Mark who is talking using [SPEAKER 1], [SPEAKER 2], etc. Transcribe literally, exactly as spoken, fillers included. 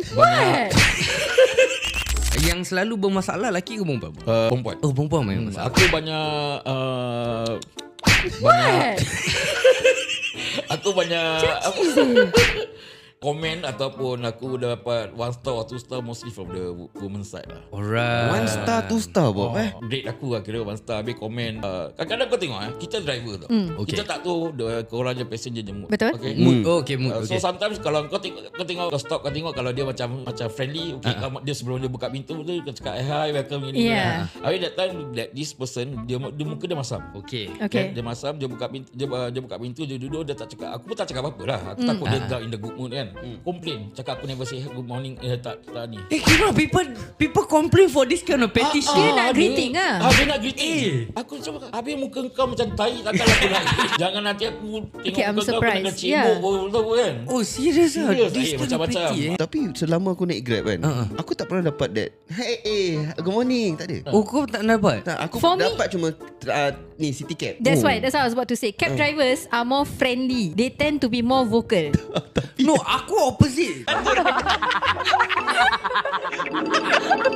[SPEAKER 1] Banyak.
[SPEAKER 2] Yang selalu bermasalah lelaki ke perempuan?
[SPEAKER 1] Uh, perempuan.
[SPEAKER 2] Oh, perempuan main
[SPEAKER 1] Hmm,
[SPEAKER 2] masalah.
[SPEAKER 1] aku banyak uh, banyak aku banyak apa, komen ataupun aku dapat one star or two star mostly from the woman side lah.
[SPEAKER 2] Alright.
[SPEAKER 3] One star, two star Bob
[SPEAKER 1] Oh,
[SPEAKER 3] eh.
[SPEAKER 1] Rate aku lah kira one star. Habis komen uh, kadang-kadang kau tengok eh, kita driver tau.
[SPEAKER 4] Mm.
[SPEAKER 2] Okay.
[SPEAKER 1] Kita tak tahu the, korang je passenger je mood.
[SPEAKER 4] Betul.
[SPEAKER 1] Okay.
[SPEAKER 2] Mood. Oh, okay, mood.
[SPEAKER 1] Uh,
[SPEAKER 2] Okay.
[SPEAKER 1] so sometimes kalau kau tengok kau tengok kau stop kau tengok kalau dia macam macam friendly, okay, uh-huh. dia sebelum dia buka pintu tu kau cakap hi welcome ini.
[SPEAKER 4] Yeah.
[SPEAKER 1] Habis that time that this person dia, dia muka dia masam.
[SPEAKER 2] Okay.
[SPEAKER 4] Okay.
[SPEAKER 1] Dia, dia masam, dia buka pintu, dia, dia buka pintu, dia duduk, dia tak cakap. Aku pun tak cakap apa-apa lah. Aku
[SPEAKER 4] Mm.
[SPEAKER 1] takut dia
[SPEAKER 2] Ah.
[SPEAKER 1] tak in the good mood kan. Complain, cakap aku never say good morning, eh tak tak ni.
[SPEAKER 2] Eh, kira people people complain for this kind of petition.
[SPEAKER 4] Dia nak greeting lah.
[SPEAKER 1] Ah, dia nak greeting. Eh. Aku cuba, habis muka kau macam tai, takkan aku nak. Jangan nanti aku tengok
[SPEAKER 4] Okay, I'm
[SPEAKER 1] muka kau, aku
[SPEAKER 4] surprised.
[SPEAKER 1] nak cebok
[SPEAKER 4] Yeah.
[SPEAKER 1] tahu kan.
[SPEAKER 2] Oh, serious ah?
[SPEAKER 1] Serious,
[SPEAKER 2] This
[SPEAKER 1] eh,
[SPEAKER 2] kind of
[SPEAKER 1] macam-macam.
[SPEAKER 2] petty, eh?
[SPEAKER 3] Tapi selama aku naik Grab kan,
[SPEAKER 2] Uh-uh.
[SPEAKER 3] aku tak pernah dapat that hey, eh, good morning, tak ada.
[SPEAKER 2] Oh, kau tak dapat?
[SPEAKER 3] Tak, aku
[SPEAKER 4] For me-
[SPEAKER 3] dapat cuma uh, ni city cab.
[SPEAKER 4] That's
[SPEAKER 3] Oh.
[SPEAKER 4] why That's what I was about to say. Cab drivers are more friendly. They tend to be more vocal.
[SPEAKER 2] No, aku opposite.